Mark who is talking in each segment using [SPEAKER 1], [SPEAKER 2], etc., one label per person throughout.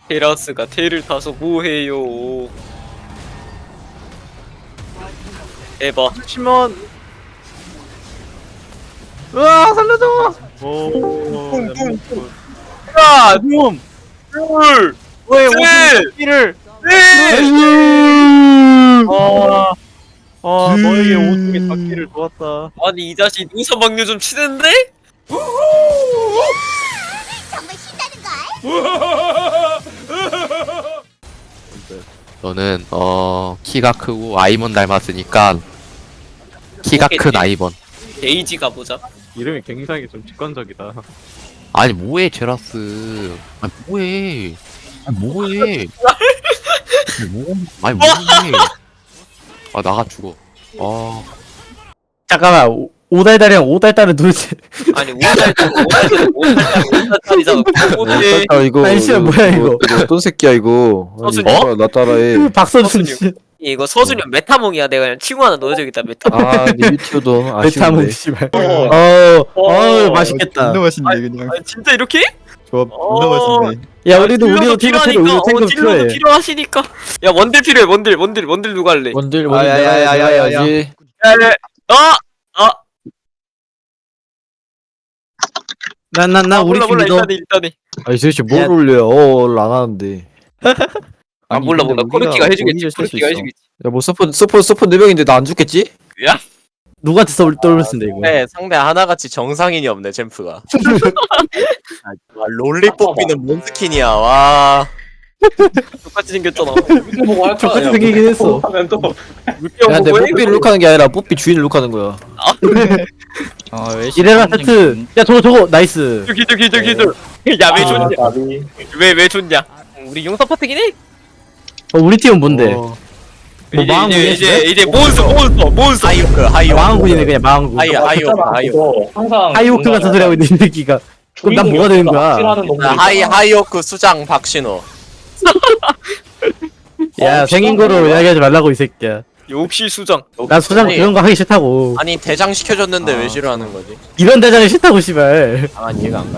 [SPEAKER 1] 테라스가 테를 타서 뭐해요. 에바.
[SPEAKER 2] 치면 으아 살려줘.
[SPEAKER 1] 하나,
[SPEAKER 2] 붐.
[SPEAKER 1] 둘,
[SPEAKER 2] 왜
[SPEAKER 1] 셋!
[SPEAKER 2] 오피를?
[SPEAKER 1] 넷!
[SPEAKER 2] 너에게 오줌이 닿기를 도왔다.
[SPEAKER 1] 아니 이 자식 눈썹 막류 좀 치는데?
[SPEAKER 3] 정말 신나는 걸?
[SPEAKER 4] 너는 키가 크고 아이먼 닮았으니까 키가 큰 아이먼.
[SPEAKER 1] 데이지 가보자.
[SPEAKER 2] 이름이 굉장히 좀 직관적이다.
[SPEAKER 4] 아니 뭐해 제라스. 아니 뭐해. 아니 뭐해. 아니 뭐해. 아 나가 죽어.
[SPEAKER 5] 잠깐만 오달달이랑 오달달은 도대체
[SPEAKER 1] 아니 5달짜리잖아. 어떻게
[SPEAKER 6] 이거
[SPEAKER 5] 아니, 씨발, 뭐야, 이거.
[SPEAKER 6] 어떤 새끼야 이거. 아니,
[SPEAKER 1] 서준이.
[SPEAKER 6] 나 따라해.
[SPEAKER 5] 박서준
[SPEAKER 1] 서준이요. 이거 서준이 형 메타몽이야. 내가 그냥 친구 하나 넣어줘야겠다. 메타몽.
[SPEAKER 6] 아 리뷰티오도
[SPEAKER 5] 베타몽
[SPEAKER 6] 아쉬운데.
[SPEAKER 5] 씨발
[SPEAKER 1] 어,
[SPEAKER 5] 맛있겠다.
[SPEAKER 7] 존나 맛있네 그냥.
[SPEAKER 1] 아니, 진짜 이렇게?
[SPEAKER 7] 조합 존나 맛있네.
[SPEAKER 5] 야 우리도
[SPEAKER 1] 딜러도
[SPEAKER 5] 탱크 필요해.
[SPEAKER 1] 필요하니까.
[SPEAKER 5] 우리도 탱크
[SPEAKER 1] 딜러도
[SPEAKER 5] 필요해.
[SPEAKER 1] 필요하시니까. 야 원딜 필요해. 원딜 누가 할래?
[SPEAKER 6] 원딜
[SPEAKER 7] 아, 야, 야, 야, 야, 야, 야.
[SPEAKER 6] 해야지.
[SPEAKER 5] 나 우리 팀
[SPEAKER 1] 몰라
[SPEAKER 5] 믿어.
[SPEAKER 1] 일단은.
[SPEAKER 6] 아니 도대체 뭘
[SPEAKER 5] 야.
[SPEAKER 6] 올려? 안 하는데.
[SPEAKER 1] 몰라 코르키가 해주겠지. 코르키가 해주겠지.
[SPEAKER 6] 야뭐 서포 4명인데 나 안 죽겠지?
[SPEAKER 5] 누구한테 떠올 쓴데 이거.
[SPEAKER 8] 네, 상대 하나같이 정상인이 없네, 잼프가. 와, 롤리 뽑기는 뭔 스킨이야, 와.
[SPEAKER 1] 똑같이 생겼잖아.
[SPEAKER 5] 똑같이 생기긴 했어.
[SPEAKER 1] 하면 또
[SPEAKER 6] 야 근데 뽀삐를 룩하는 게 아니라 뽀삐 주인을 룩하는 거야.
[SPEAKER 5] 이래라 세트. 야 저거 나이스.
[SPEAKER 1] 기절. 야왜 좋냐? 왜 좋냐? 우리 용서 파트긴 해.
[SPEAKER 5] 우리 팀은 뭔데?
[SPEAKER 6] 어.
[SPEAKER 5] 뭐 망한군이야?
[SPEAKER 1] 이제 몬스터.
[SPEAKER 8] 하이오크.
[SPEAKER 5] 망한군이네 그냥 망한군.
[SPEAKER 8] 하이오크.
[SPEAKER 5] 하이오크 같은 소리 하고 있는 이 새끼가. 그럼 난 뭐가 되는 거야?
[SPEAKER 8] 하이오크 수장 박신호.
[SPEAKER 5] 야 생긴 거로 이야기하지 말라고 이 새끼야.
[SPEAKER 1] 역시 수장.
[SPEAKER 5] 난 수장 그런 거 하기 싫다고.
[SPEAKER 8] 아니, 대장 시켜줬는데 왜 싫어하는 거지?
[SPEAKER 5] 이런 대장이 싫다고 씨발.
[SPEAKER 8] 아, 이해가 안 가.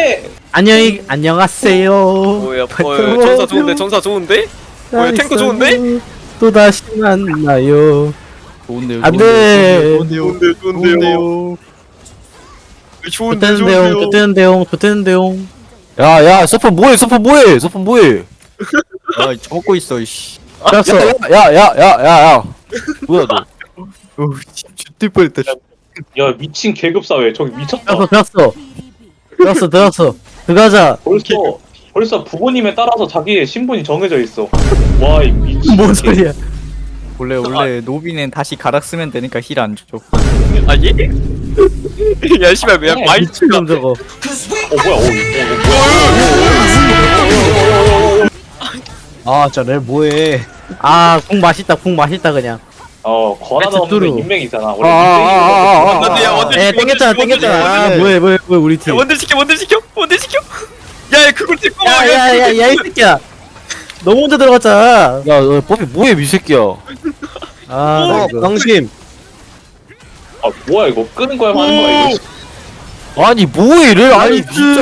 [SPEAKER 5] 안녕하세요.
[SPEAKER 1] 뭐야? 전사 좋은데? 뭐야, 탱크 좋은데?
[SPEAKER 5] 또 다시 만나요.
[SPEAKER 7] 좋은데요.
[SPEAKER 5] 안돼.
[SPEAKER 7] 좋은데요.
[SPEAKER 5] 좋대는데용.
[SPEAKER 6] 야야 서포 뭐해?
[SPEAKER 7] 아 먹고 있어 이씨.
[SPEAKER 5] 알았어.
[SPEAKER 6] 야야야야야. 뭐야 너?
[SPEAKER 7] 죽을 뻔했다.
[SPEAKER 9] 야 미친 계급사회 저기 미쳤다.
[SPEAKER 5] 들었어. 들어가자.
[SPEAKER 9] 벌써 부모님에 따라서 자기의 신분이 정해져 있어. 와 이 미친.
[SPEAKER 5] 뭔 소리야?
[SPEAKER 7] 원래 노비는 다시 가락 쓰면 되니까 힐 안 줘.
[SPEAKER 1] 아니? 야 씨발 왜 마이
[SPEAKER 5] 미친놈 저거.
[SPEAKER 6] 아 저래 뭐해?
[SPEAKER 5] 공 맛있다 그냥.
[SPEAKER 9] 권하다 없는
[SPEAKER 5] 뚜루.
[SPEAKER 9] 인맥이잖아. 원래
[SPEAKER 1] 나도 야 원딜
[SPEAKER 5] 에 땡겼잖아. 뭐해 우리 팀.
[SPEAKER 1] 원딜 시켜. 야 그걸 찍고
[SPEAKER 5] 야야야야 이 새끼야. 너 먼저 들어갔잖아.
[SPEAKER 6] 야너 뽀삐 뭐해 미새끼야?
[SPEAKER 5] 당신.
[SPEAKER 9] 아 뭐야 이거 끄는 거야 하는 거야 이거.
[SPEAKER 6] 아니 뭐해 이래? 아니 진짜.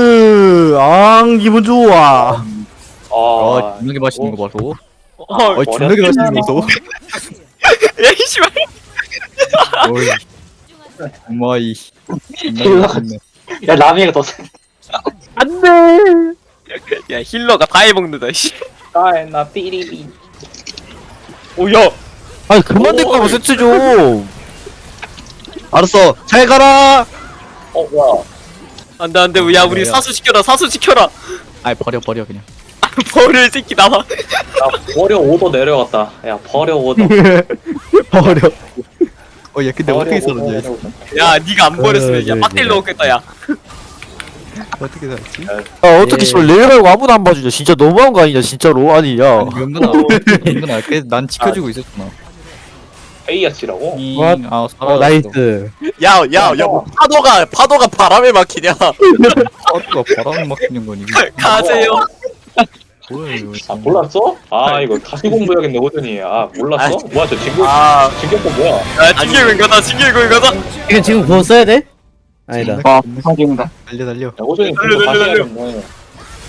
[SPEAKER 5] 기분 좋아.
[SPEAKER 7] 존나게 맛있는 거 봐서.
[SPEAKER 9] 머리
[SPEAKER 7] 존나게 맛있는 거 봐서.
[SPEAKER 1] 야 씨발.
[SPEAKER 7] 어마이. 존나게 맛있네.
[SPEAKER 9] 야 라미가 더
[SPEAKER 5] 안돼.
[SPEAKER 1] 야 힐러가 다 해먹는다 씨.
[SPEAKER 9] 나 삐리비.
[SPEAKER 1] 오야.
[SPEAKER 6] 아니 그만 될까 봐 세트 좀. 알았어 잘 가라.
[SPEAKER 9] 야.
[SPEAKER 1] 안돼 야 우리 사수 지켜라.
[SPEAKER 7] 아 버려 그냥.
[SPEAKER 1] 버릴 새끼 나와.
[SPEAKER 9] 야 버려 오더 내려갔다. 야 버려 오더.
[SPEAKER 5] 버려.
[SPEAKER 7] 야 근데 어떻게 살았냐?
[SPEAKER 1] 야 니가 안 버렸으면 야 빡딜 넣었겠다 야.
[SPEAKER 7] 어떻게 살았지?
[SPEAKER 6] 어떻게 씨발 레벨하고 아무도 안 봐주냐? 진짜 너무한 거 아니냐 진짜로? 아니 야.
[SPEAKER 7] 아니 명근아 그래서 난 지켜주고 있었잖아.
[SPEAKER 9] 에이아치라고?
[SPEAKER 5] 나이스.
[SPEAKER 8] 야, 뭐 파도가 바람에 막히냐?
[SPEAKER 7] 파도가 바람을 막히는 거니.
[SPEAKER 1] 가세요.
[SPEAKER 7] 뭐야 이거.
[SPEAKER 9] 아 몰랐어? 아 이거 다시 공부해야겠네 호준이. 아 몰랐어? 뭐야 저 진격법 뭐야?
[SPEAKER 1] 야 진격은 가자.
[SPEAKER 5] 이거 지금 그거 써야 돼? 아니다.
[SPEAKER 7] 달려.
[SPEAKER 9] 야 호준이 공부 다시 해야겠네.